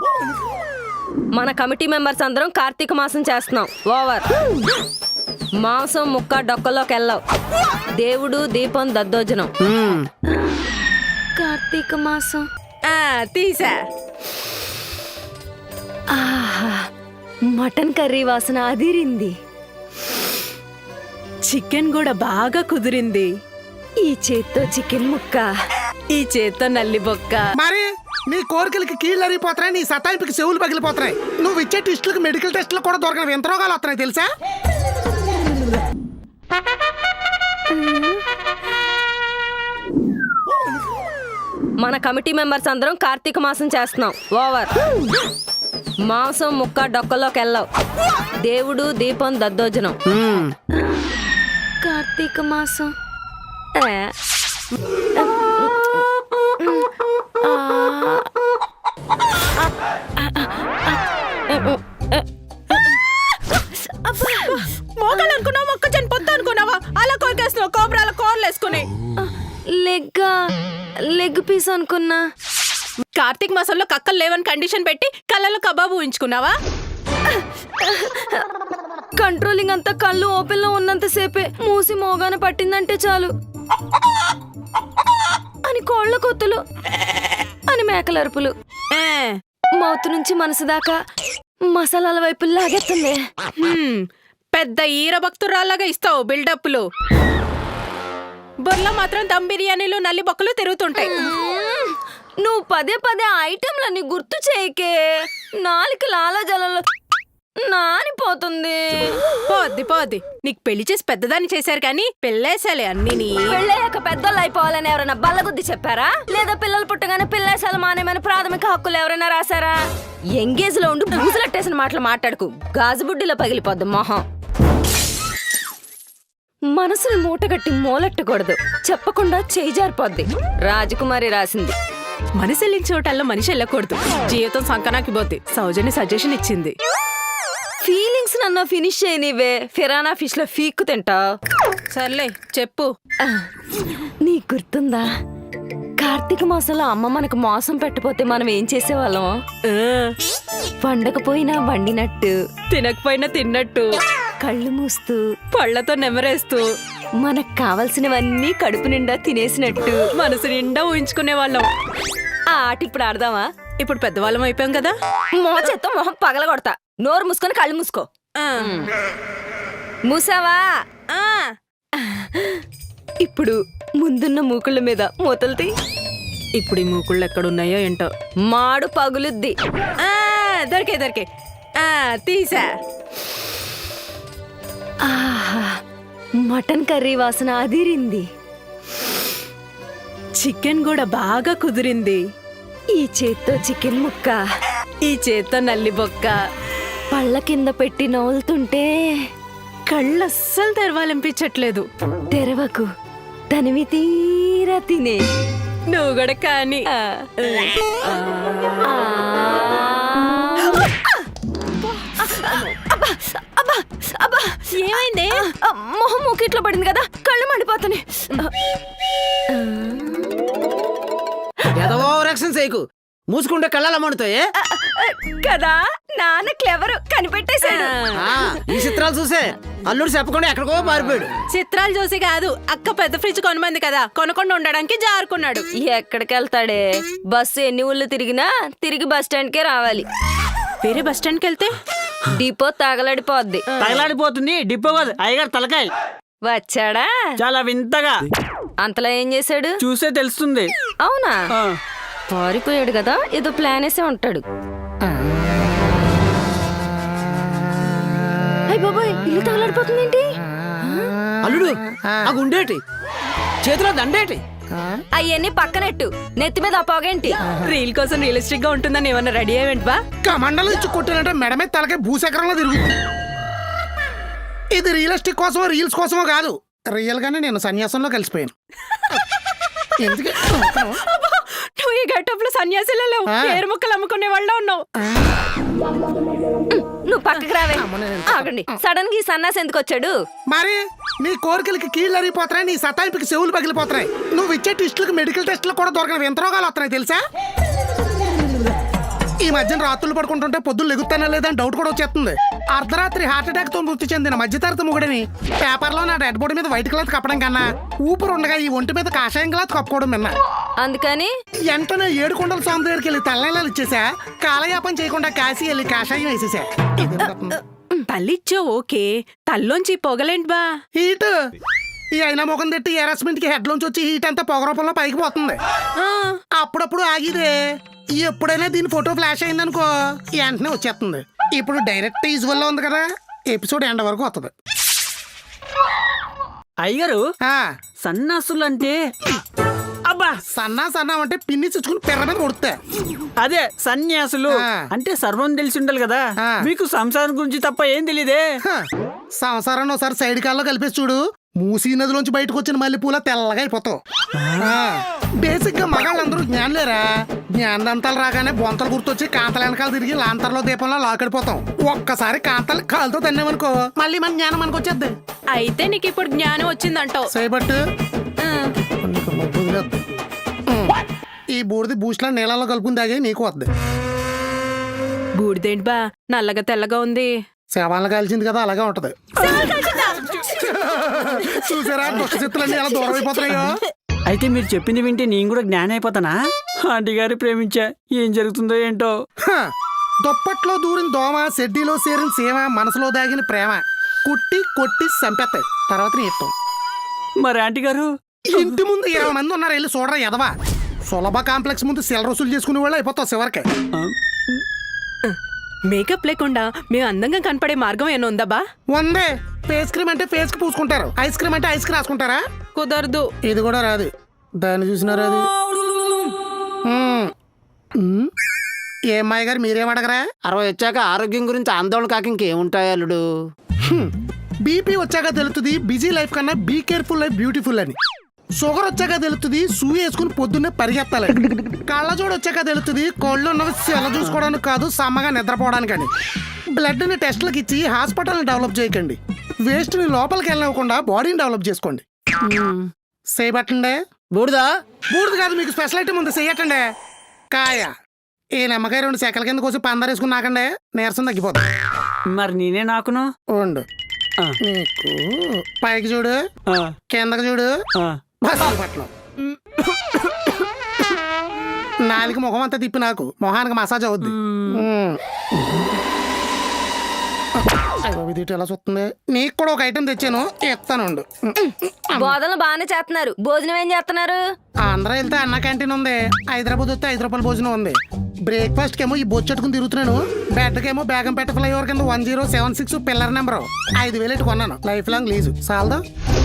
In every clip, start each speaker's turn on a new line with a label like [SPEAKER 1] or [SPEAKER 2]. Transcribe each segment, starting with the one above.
[SPEAKER 1] మన committee members అందరం కార్తీక మాసం చేస్తున్నాం. ఓవర్. మాంసం ముక్క డొక్కలోకి వెళ్ళావు. దేవుడు దీపం దద్దోజనం. కార్తీక మాసం
[SPEAKER 2] తీసా.
[SPEAKER 1] మటన్ కర్రీ వాసన అదిరింది.
[SPEAKER 2] చికెన్ కూడా బాగా కుదిరింది.
[SPEAKER 1] ఈ చేత్తో చికెన్ ముక్క,
[SPEAKER 2] ఈ చేత్తో నల్లి బొక్క.
[SPEAKER 3] మరి నీ కోరికలకి కీళ్ళు అరిగిపోతున్నాయి, నీ సతాయింపుకి చెవులు పగిలిపోతున్నాయి. నువ్వు ఇచ్చే టెస్టులకు మెడికల్ టెస్టులు కూడా దొరకని వింత రోగాలు వస్తున్నాయి తెలుసా?
[SPEAKER 1] మన కమిటీ మెంబర్స్ అందరం కార్తీక మాసం చేస్తున్నాం. ఓవర్. మాంసం ముక్క డొక్కలోకి వెళ్ళావు. దేవుడు దీపం దద్దోజనం. కార్తీక మాసం.
[SPEAKER 2] మోకాలు అనుకున్నావా, మొక్క చనిపోతా అనుకున్నావా? అలా కోరికేస్తున్నావు కోబ్రాల కూరలు వేసుకుని.
[SPEAKER 1] లెగ్ పీస్ అనుకున్నా.
[SPEAKER 2] కార్తీక మాసంలో కక్కలు లేవని కండిషన్ పెట్టి కళ్ళలో కబాబు ఊహించుకున్నావా?
[SPEAKER 1] కంట్రోలింగ్ అంతా కళ్ళు ఓపెన్ లో ఉన్నంతసేపే. మూసి మోగాన పట్టిందంటే చాలు అని కోళ్ల కొత్తులు అని మేకలరుపులు. మౌత్ నుంచి మనసు దాకా మసాలాల వైపు లాగెత్తుంది.
[SPEAKER 2] పెద్ద ఈర భక్తురాల్లాగా ఇస్తావు బిల్డప్లు. బొర్ల మాత్రం దమ్ బిర్యానీలు నల్లి బొక్కలు తిరుగుతుంటాయి.
[SPEAKER 1] నువ్వు పదే పదే ఐటెంలన్నీ గుర్తు చేయకే. నాలుక లాలాజలంలో నానిపోతుంది.
[SPEAKER 2] పోద్ది. నీకు పెళ్లి చేసి పెద్దదాన్ని చేశారు కానీ పెళ్ళేసాలే అన్ని.
[SPEAKER 1] పెళ్ళయ్యాక పెద్దోళ్ళు అయిపోవాలని ఎవరైనా బల్లగుద్ది చెప్పారా? లేదా పిల్లలు పుట్టగానే పిల్లేసాలు మానేమని ప్రాథమిక హక్కులు ఎవరైనా రాశారా? ఎంగేజ్ లో ఉండి బూజులట్టేసిన మాటలు మాట్లాడుకు. గాజుబుడ్డిలో పగిలిపోద్ది మొహం. మనసుని మూటగట్టి మూలెట్టకూడదు. చెప్పకుండా చేయి జారిపోద్ది. రాజకుమారి రాసింది.
[SPEAKER 2] మనసు వెళ్ళిన చోటల్లో మనిషి వెళ్ళకూడదు. జీవితం సంకనాకి పోతే సౌజన్య సజెషన్ ఇచ్చింది.
[SPEAKER 1] ఫీలింగ్స్ నన్ను ఫినిష్ చేయనివే. ఫిరానా ఫిష్ లో ఫీక్కు తింటా.
[SPEAKER 2] సర్లే చెప్పు.
[SPEAKER 1] నీకు గుర్తుందా కార్తీక మాసంలో అమ్మ మనకు మోసం పెట్టపోతే మనం ఏం చేసేవాళ్ళం? వండకపోయినా వండినట్టు,
[SPEAKER 2] తినకపోయినా తిన్నట్టు,
[SPEAKER 1] కళ్ళు మూస్తూ
[SPEAKER 2] పళ్లతో నెమరేస్తూ,
[SPEAKER 1] మనకు కావలసినవన్నీ కడుపు నిండా తినేసినట్టు
[SPEAKER 2] మనసు నిండా ఊహించుకునే వాళ్ళం.
[SPEAKER 1] ఆ ఆట ఇప్పుడు ఆడదామా?
[SPEAKER 2] ఇప్పుడు పెద్దవాళ్ళం అయిపోయాం కదా.
[SPEAKER 1] మోచేత్తో మొహం పగల కొడతా. నోరు మూసుకొని కళ్ళు మూసుకో. మూసావా? ఇప్పుడు ముందున్న మూకుళ్ళ మీద మూతలు తీ.
[SPEAKER 2] ఇప్పుడు ఈ మూకుళ్ళు ఎక్కడున్నాయో ఏంటో.
[SPEAKER 1] మాడు పగులుద్ది.
[SPEAKER 2] దొరికే తీసా.
[SPEAKER 1] మటన్ కర్రీ వాసన అదిరింది.
[SPEAKER 2] చికెన్ కూడా బాగా కుదిరింది.
[SPEAKER 1] ఈ చేత్తో చికెన్ ముక్క,
[SPEAKER 2] ఈ చేత్తో నల్లి బొక్క.
[SPEAKER 1] పళ్ళ కింద పెట్టి నవ్వులుతుంటే
[SPEAKER 2] కళ్ళు అస్సలు తెరవాలనిపించట్లేదు.
[SPEAKER 1] తెరవకు, తనివి తీరా తినే.
[SPEAKER 2] నువ్వు కూడా కానీ. ఏమైంది?
[SPEAKER 1] మొహం మూకిట్లో పడింది కదా, కళ్ళు మండిపోతున్నాయి.
[SPEAKER 3] మూసుకుంటే కళ్ళ మండుతాయే
[SPEAKER 1] కదా. నాన్న క్లెవరు కనిపెట్టేశాడు.
[SPEAKER 3] ఈ చిత్రాలు చూసే అల్లుడు చెప్పకుండా ఎక్కడికో పారిపోయాడు.
[SPEAKER 2] చిత్రాలు చూసి కాదు, అక్క పెద్ద ఫ్రిడ్జ్ కొనమంది కదా, కొనకుండా ఉండడానికి జారుకున్నాడు.
[SPEAKER 1] ఎక్కడికి వెళ్తాడే? బస్సు ఎన్ని ఊళ్ళు తిరిగినా తిరిగి బస్ స్టాండ్ కే రావాలి.
[SPEAKER 2] వేరే బస్ స్టాండ్కి వెళ్తే
[SPEAKER 1] డిపో తగలడిపోద్ది.
[SPEAKER 4] తగలాడిపోతుంది డిపో కాదు, అయ్యగారు తలకాయ.
[SPEAKER 1] వచ్చాడా?
[SPEAKER 4] చాలా వింతగా.
[SPEAKER 1] అంతలా ఏం చేశాడు?
[SPEAKER 4] చూసే తెలుస్తుంది.
[SPEAKER 1] అవునా? పారిపోయాడు కదా, ఏదో ప్లాన్ వేసే ఉంటాడు. అయ్య బాబాయ్, ఇల్లు తగలడిపోతుందేంటి?
[SPEAKER 3] అల్లుడు ఆ గుండేటి, చేతిలో దండేటి.
[SPEAKER 1] అవన్నీ పక్కనట్టు, నెత్తి మీద ఆ పొగేంటి?
[SPEAKER 2] రీల్ కోసం రియలిస్టిక్ గా ఉంటుందని ఏమన్నా రెడీ అయ్యేంటివా?
[SPEAKER 3] కమండలు ఇచ్చి కొట్టినట్టే మెడ మీద తలకే భూసేకరంలో తిరుగుతుంది. ఇది రియలిస్టిక్ కోసమో రీల్స్ కోసమో కాదు, రియల్ గానే నేను సన్యాసంలో కలిసిపోయాను.
[SPEAKER 2] నువ్వు ఈ గెటప్ లో సన్యాసిలో లేవు, ఏరు ముక్కలు అమ్ముకునే వాళ్ళ ఉన్నావు.
[SPEAKER 1] నువ్వు పక్కకి రావే. ఆగండి, సడన్ గా ఈ సన్నాసి ఎందుకు వచ్చాడు?
[SPEAKER 3] మరి నీ కోరికలకి కీళ్ళు అరిగిపోతున్నాయి, నీ సతాయింపుకి చెవులు పగిలిపోతున్నాయి. నువ్వు ఇచ్చే టెస్టులకు మెడికల్ టెస్టులు కూడా దొరకని వింత రోగాలు వస్తున్నాయి తెలుసా? ఈ మధ్యన రాత్రులు పడుకుంటుంటే పొద్దులు లెగుతానా లేదని డౌట్ కూడా వచ్చేస్తుంది. అర్ధరాత్రి హార్ట్ అటాక్ తో మృతి చెందిన మధ్యతరగతి మొగుడని పేపర్లో నా డెడ్ బాడీ మీద వైట్ క్లాత్ కప్పడం కన్నా ఊపిరి ఉండగా ఈ ఒంటి మీద కాషాయం క్లాత్ కప్పుకోవడం విన్నా.
[SPEAKER 1] అందుకని
[SPEAKER 3] వెంటనే 7 కొండల స్వామి దగ్గరికి వెళ్ళి తలనీలాలు ఇచ్చేసా. కాలయాపం చేయకుండా కాశీ వెళ్ళి కాషాయం వేసేసా.
[SPEAKER 2] తల్లిచ్చో ఓకే, తల్లోంచి పొగలేంటి బా?
[SPEAKER 3] హీట్ ఈ అయినా ముఖం తిట్టి హెరాస్మెంట్ కి హెడ్ లోంచి వచ్చి హీట్ అంతా పొగ రూపంలో పైకి పోతుంది.
[SPEAKER 2] ఆ,
[SPEAKER 3] అప్పుడప్పుడు ఆగిదే. ఎప్పుడైనా దీని ఫోటో ఫ్లాష్ అయిందనుకో వెంటనే వచ్చేస్తుంది. ఇప్పుడు డైరెక్ట్ యూజువల్ లో ఉంది కదా, ఎపిసోడ్ ఎండ్ వరకు వస్తుంది.
[SPEAKER 4] అయ్యగారు
[SPEAKER 3] ఆ,
[SPEAKER 4] సన్నాసులు అంటే అబ్బా
[SPEAKER 3] సన్నా అంటే పిన్ని చుచ్చుకుని పెర్ర మీద కొడుతా.
[SPEAKER 4] అదే సన్యాసులు
[SPEAKER 3] ఆ.
[SPEAKER 4] అంటే సర్వం తెలిసి ఉండాలి కదా.
[SPEAKER 3] ఆ.
[SPEAKER 4] మీకు సంసారం గురించి తప్ప ఏం తెలియదే.
[SPEAKER 3] సంవత్సరాన్ని ఒకసారి సైడ్ కాల్లో కలిపేసి చూడు, మూసీ నదిలోంచి బయటకు వచ్చిన మల్లెపూల తెల్లగా అయిపోతావు. బేసిక్ గా మగాళ్ళందరూ జ్ఞానులేరా. జ్ఞానదంతాలు రాగానే బొంతలు గుర్తొచ్చి కాంతల వెనకాల తిరిగి లాంతర్లో దీపంలో లాకడిపోతాం. ఒక్కసారి కాంతలు కాలుతో తన్నామనుకో మళ్ళీ మన జ్ఞానం మనకు వచ్చేద్ది.
[SPEAKER 2] అయితే నీకు ఇప్పుడు జ్ఞానం వచ్చిందంటావు.
[SPEAKER 3] చేయబట్టు
[SPEAKER 2] ఆ,
[SPEAKER 3] నీకు మబ్బు వదిలేద్ది. ఈ బూడిది బూస్ట్లో నీళ్ళలో కలుపుకుని తాగే నీకు వద్దు.
[SPEAKER 2] బూడిదేంటి బా నల్లగా తెల్లగా ఉంది?
[SPEAKER 3] శవాలను కాల్చింది కదా అలాగే ఉంటది. చూసారా దుష్ట చిత్తులన్నీ ఎలా దూరం అయిపోతున్నాయో.
[SPEAKER 4] అయితే మీరు చెప్పింది వింటే నేను కూడా జ్ఞానం అయిపోతానా? ఆంటీ గారి ప్రేమించా, ఏం జరుగుతుందో ఏంటో.
[SPEAKER 3] హ, దుప్పట్లో దూరిన దోమ, సెడ్డీలో సేరిన సీమ, మనసులో దాగిన ప్రేమ కుట్టి కొట్టి చంపేస్తాయి. తర్వాత నీ ఇష్టం.
[SPEAKER 4] మరి ఆంటీ గారు
[SPEAKER 3] ఇంటి ముందు 20 మంది ఉన్నారు, వెళ్ళి చూడరా ఎదవా. సులభ కాంప్లెక్స్ ముందు సెల రసూలు చేసుకునే వాళ్ళు అయిపోతావు చివరికి.
[SPEAKER 4] ఆ,
[SPEAKER 2] మేకప్ లేకుండా మేము అందంగా కనపడే మార్గం ఏమో ఉందా బా?
[SPEAKER 3] వందే ఫేస్ క్రీమ్ అంటే ఫేస్ కి పూసుకుంటారు, ఐస్ క్రీమ్ అంటే ఐస్ కి రాసుకుంటారా.
[SPEAKER 2] కుదరదు.
[SPEAKER 3] ఇది కూడా రాదు. దాన్ని చూసినారా అది. ఏ అమ్మాయి గారు మీరేం అడగరా?
[SPEAKER 5] 60 వచ్చాక ఆరోగ్యం గురించి ఆందోళన కాక ఇంకేముంటాయి అల్లుడు.
[SPEAKER 3] బీపీ వచ్చాక తెలుస్తుంది బిజీ లైఫ్ కన్నా బీ కేర్ఫుల్ లైఫ్ బ్యూటిఫుల్ అని. షుగర్ వచ్చాక తెలుస్తుంది సూ వేసుకుని పొద్దున్నే పరిగెత్తాలి. కళ్ళజోడు వచ్చాక తెలుస్తుంది కోళ్ళు ఉన్నవి సెల చూసుకోవడానికి కాదు సమ్మగా నిద్రపోవడానికి అని. బ్లడ్ని టెస్ట్లకు ఇచ్చి హాస్పిటల్ని డెవలప్ చేయకండి. వేస్ట్ని లోపలికి వెళ్ళనివ్వకుండా బాడీని డెవలప్ చేసుకోండి. చేయబట్టండే.
[SPEAKER 5] బూడిదా
[SPEAKER 3] బూడిది కాదు, మీకు స్పెషల్ ఐటమ్ ఉంది, చెయ్యటండే. కాయ ఈ నిమ్మకాయ 2 సెకల కింద కోసి పందరేసుకుని నాకండే నీరసం తగ్గిపోతుంది.
[SPEAKER 4] మరి నేనే నాకును.
[SPEAKER 3] ఉండు
[SPEAKER 4] ఆ,
[SPEAKER 3] నీకు పైకి చూడు,
[SPEAKER 4] ఆ,
[SPEAKER 3] కిందకి చూడు,
[SPEAKER 4] ఆ.
[SPEAKER 3] బస్సు పట్ల నాలుగు ముఖం అంతా తిప్పి నాకు మొహానికి మసాజ్ అవుద్ది. ఇది ఎలా చూస్తుంది. నీకు కూడా ఒక ఐటెం తెచ్చాను, ఇస్తానుండు.
[SPEAKER 1] బోధనలు బాగానే చేస్తున్నారు, భోజనం ఏం చేస్తున్నారు?
[SPEAKER 3] ఆంధ్ర వెళ్తే అన్న క్యాంటీన్ ఉంది, హైదరాబాద్ వస్తే 5 రూపాయల భోజనం ఉంది. బ్రేక్ఫాస్ట్ కేమో ఈ బొచ్చెట్టుకుని తిరుగుతున్నాను. బెడ్ కేమో బేగంపేట ఫ్లైఓవర్ కింద 1076 పిల్లర్ నెంబర్ 5,000 ఎట్టు కొన్నాను. లైఫ్ లాంగ్ లీజు చాలదా?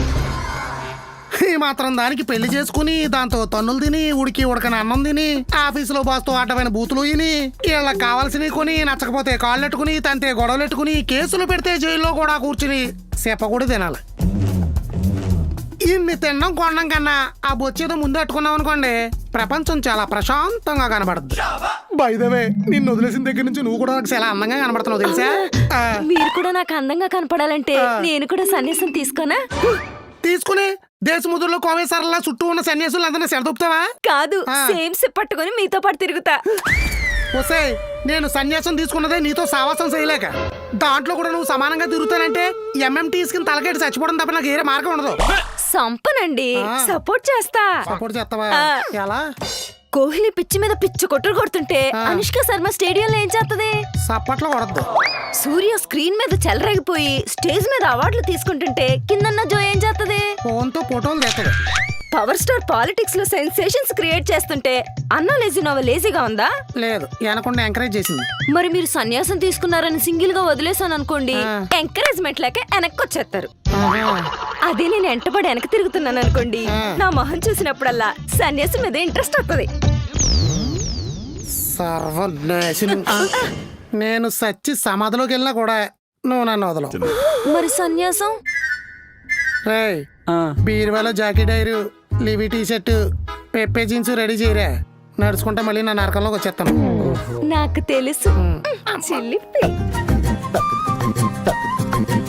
[SPEAKER 3] ఈ మాత్రం దానికి పెళ్లి చేసుకుని దాంతో తన్నులు తిని ఉడికి ఉడకని అన్నం తిని ఆఫీసులో బాస్తో ఆటమైన బూతులు తిని వీళ్ళకి కావాల్సినవి కొని నచ్చకపోతే కాళ్ళెట్టుకుని తంతే గొడవలెట్టుకుని కేసులు పెడితే జైల్లో కూడా కూర్చుని చెప్ప కూడా తినాలి. ఇన్ని తినడం కొనడం కన్నా ఆ బొచ్చేదో ముందు అట్టుకున్నాం అనుకోండి, ప్రపంచం చాలా ప్రశాంతంగా కనబడుద్ది. బై ద వే నిన్ను వదిలేసిన దగ్గర నుంచి నువ్వు కూడా నాకు చాలా అందంగా కనబడుతున్నావు తెలుసా.
[SPEAKER 1] మీరు కూడా నాకు అందంగా కనపడాలంటే నేను కూడా సన్యాసం తీసుకోనా?
[SPEAKER 3] తీసుకుని దేశముద్రలో కోవేశ్వరంలా చుట్టూ ఉన్న సన్యాసులు అందరినీ సెడదొప్పుతావా?
[SPEAKER 1] కాదు, సేమ్ సిప్ పట్టుకొని మీతో పాటు తిరుగుతా.
[SPEAKER 3] వస్తే నేను సన్యాసం తీసుకున్నదే నీతో సావాసం చేయలేక. దాంట్లో కూడా నువ్వు సమానంగా తిరుగుతానంటే ఎంఎంటీస్ కింద తలకెట్టి చచ్చిపోవడం తప్ప నాకు ఏ మార్గం ఉండదు.
[SPEAKER 1] సంపనండి, సపోర్ట్ చేస్తా.
[SPEAKER 3] సపోర్ట్ చేస్తావా? ఎలా?
[SPEAKER 1] కోహ్లీ పిచ్చి మీద పిచ్చి కొట్టుడు కొడుతుంటే అనుష్క శర్మ స్టేడియంలో ఏం చేస్తది?
[SPEAKER 3] సప్పట్లో కొడద్దు.
[SPEAKER 1] సూర్య స్క్రీన్ మీద చెలరేగిపోయి స్టేజ్ మీద అవార్డులు తీసుకుంటుంటే కిందన్న జో ఏం చేస్తది?
[SPEAKER 3] ఫోన్తో ఫోటోలు తెస్తుంది.
[SPEAKER 1] పవర్ స్టార్ పాలిటిక్స్ లో సెన్సేషన్స్ క్రియేట్ చేస్తుంటే అన్న లేజీ నవ్వ లేజీగా ఉందా?
[SPEAKER 3] లేదు, వెనకుండా ఎంకరేజ్ చేసింది.
[SPEAKER 1] మరి మీరు సన్యాసం తీసుకున్నారని సింగిల్ గా వదిలేసాను అనుకోండి, ఎంకరేజ్మెంట్ లేక వెనక్కి వచ్చేస్తారు. అదే నేను ఎంటబడి వెనక్కి తిరుగుతున్నాను అనుకోండి, నా మొహం చూసినప్పుడల్లా సన్యాసం మీద ఇంట్రెస్ట్ వస్తుంది.
[SPEAKER 3] సర్వనాశనం. నేను సచ్చి సమాధిలోకి వెళ్ళినా కూడా నువ్వు నన్ను వదలవు.
[SPEAKER 1] మరి సన్యాసం?
[SPEAKER 3] రేయ్,
[SPEAKER 4] ఆ.
[SPEAKER 3] బీరువాలో జాకెట్ డైరు, Levi T shirt, Pepe jeans ready చేయరా. నడుచుకుంటే మళ్ళీ నా నరకంలోకి వచ్చేస్తాను.
[SPEAKER 1] నాకు తెలుసు. చిల్లిపి